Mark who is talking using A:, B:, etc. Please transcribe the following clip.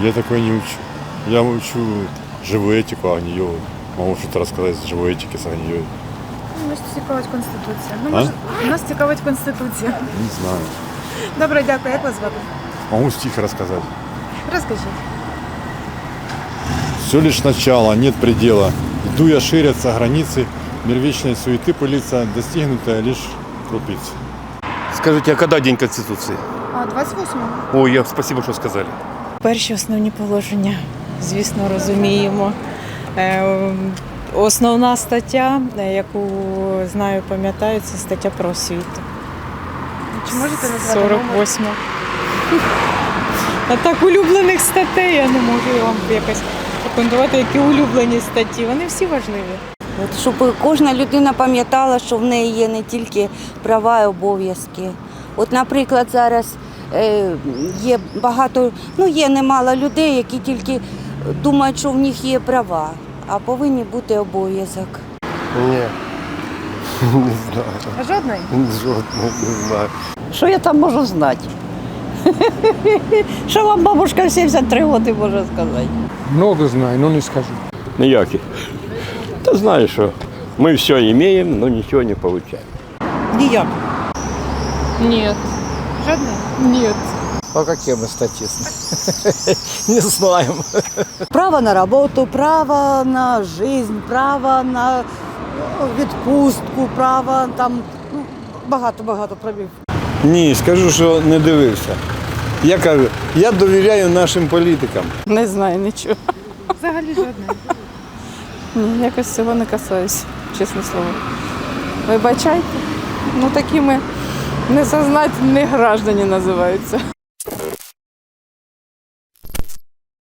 A: Я такой не учу. Я учу живую этику, а не йогу. Могу что-то рассказать с живой этики, с огнею.
B: Нас цікавить Конституція. Ну,
A: А?
B: може, нас цікавить Конституція.
A: Не знаю.
B: Добре, дякую. Як вас звати?
A: Могу стих рассказать.
B: Розкажіть.
A: Все лишь начало, нет предела. Иду я, ширятся границы, мир вечной суеты пылится, достигнутая лишь крупица.
C: Скажите, а когда День Конституции?
B: А 28-го.
C: Ой, спасибо, что сказали.
D: Перші основні положення, звісно, розуміємо. Основна стаття, яку знаю, пам'ятаю, це стаття про освіту.
B: Чи можете назвати номер?
D: 48. А так улюблених статей я не можу вам якось рекомендувати, які улюблені статті. Вони всі важливі.
E: От, щоб кожна людина пам'ятала, що в неї є не тільки права і обов'язки. От, наприклад, зараз є багато, є немало людей, які тільки думають, що в них є права, а повинні бути обов'язок.
C: Ні, не знаю.
B: А жодної?
C: Жодного не знаю.
F: Що я там можу знати? Що вам бабушка в 73 роки може сказати?
G: Много знаю, но не скажу.
H: Ніяких. Та знаєш, що ми все маємо, але нічого не отримуємо.
F: Ніяк.
D: Ні.
B: Жодної?
D: Ні.
G: А какие мы статисты? Не знаем.
F: Право на роботу, право на життя, право на відпустку, право там, багато правів.
I: Ні, скажу, що не дивився. Я кажу, я довіряю нашим політикам.
D: Не знаю нічого.
B: Взагалі жодної.
D: Ні, якось цього не касаюсь, чесне слово. Вибачайте, такі ми несознательні граждані називаються.